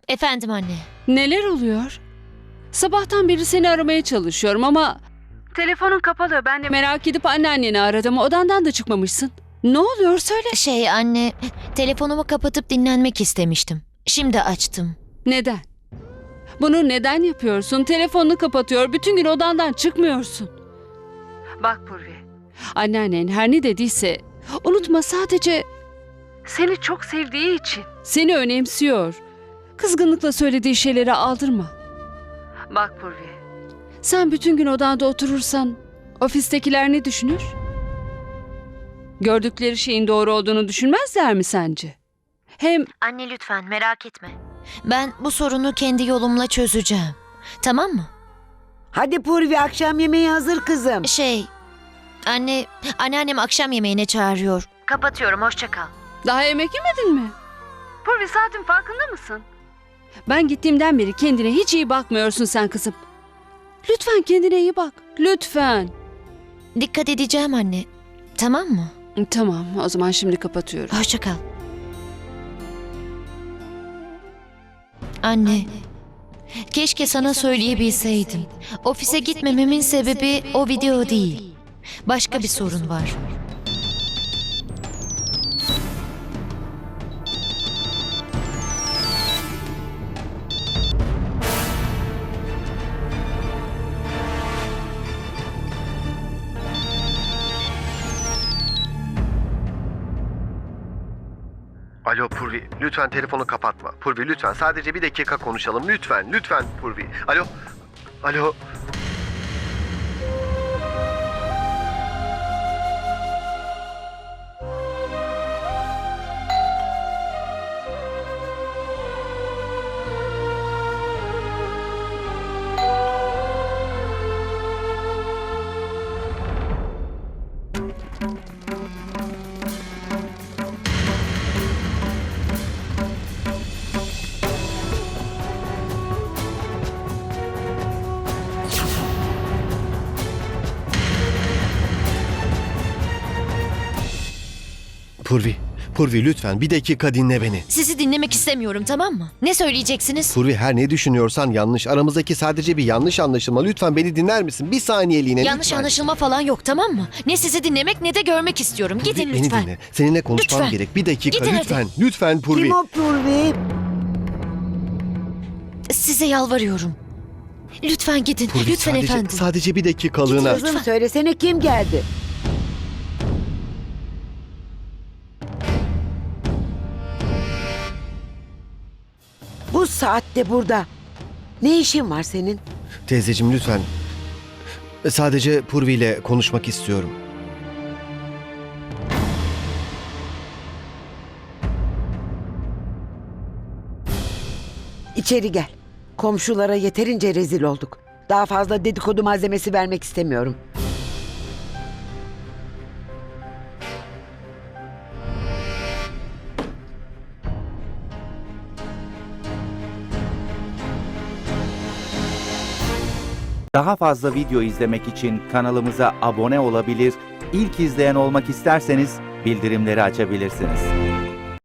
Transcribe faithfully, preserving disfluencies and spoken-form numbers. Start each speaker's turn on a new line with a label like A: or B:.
A: Efendim anne.
B: Neler oluyor? Sabahtan beri seni aramaya çalışıyorum ama... Telefonun kapalı. Ben de merak edip anneanneni aradım. Odandan da çıkmamışsın. Ne oluyor söyle.
A: Şey anne, telefonumu kapatıp dinlenmek istemiştim. Şimdi açtım.
B: Neden? Bunu neden yapıyorsun? Telefonunu kapatıyor. Bütün gün odandan çıkmıyorsun. Bak Purvi. Anneannen her ne dediyse unutma, sadece seni çok sevdiği için seni önemsiyor. Kızgınlıkla söylediği şeyleri aldırma. Bak Purvi. Sen bütün gün odanda oturursan ofistekiler ne düşünür? Gördükleri şeyin doğru olduğunu düşünmezler mi sence? Hem
A: Anne lütfen merak etme. Ben bu sorunu kendi yolumla çözeceğim. Tamam mı?
C: Hadi Purvi, akşam yemeği hazır kızım.
A: Şey, anne, anneannem akşam yemeğine çağırıyor. Kapatıyorum, hoşça kal.
B: daha yemek yemedin mi? Purvi, saatin farkında mısın? Ben gittiğimden beri kendine hiç iyi bakmıyorsun sen kızım. Lütfen kendine iyi bak. Lütfen.
A: Dikkat edeceğim anne. Tamam mı?
B: Tamam, o zaman şimdi kapatıyorum.
A: Hoşça kal. Anne, keşke sana söyleyebilseydim. Ofise gitmememin sebebi o video değil. Başka bir sorun var.
D: Alo Purvi, lütfen telefonu kapatma. Purvi lütfen sadece bir dakika konuşalım. Lütfen, lütfen Purvi. Alo, alo. Purvi, Purvi lütfen bir dakika dinle beni.
A: Sizi dinlemek istemiyorum, tamam mı? Ne söyleyeceksiniz?
D: Purvi, her ne düşünüyorsan yanlış. Aramızdaki sadece bir yanlış anlaşılma. Lütfen beni dinler misin? Bir saniyeliğine
A: Yanlış
D: lütfen.
A: anlaşılma falan yok, tamam mı? Ne sizi dinlemek ne de görmek istiyorum.
D: Purvi,
A: Gidin
D: beni
A: lütfen.
D: dinle. Seninle konuşmam
A: Lütfen.
D: gerek. Bir dakika
A: Gidin hadi.
D: lütfen. Lütfen Purvi.
C: Kim o Purvi?
A: Size yalvarıyorum. Lütfen gidin.
D: Purvi,
A: Lütfen
D: sadece,
A: efendim.
D: sadece bir dakikalığına.
C: Kızım söylesene, kim geldi? Bu saatte burada. Ne işin var senin?
D: Teyzeciğim lütfen. Sadece Purvi ile konuşmak istiyorum.
C: İçeri gel. Komşulara yeterince rezil olduk. Daha fazla dedikodu malzemesi vermek istemiyorum.
E: Daha fazla video izlemek için kanalımıza abone olabilir, ilk izleyen olmak isterseniz bildirimleri açabilirsiniz.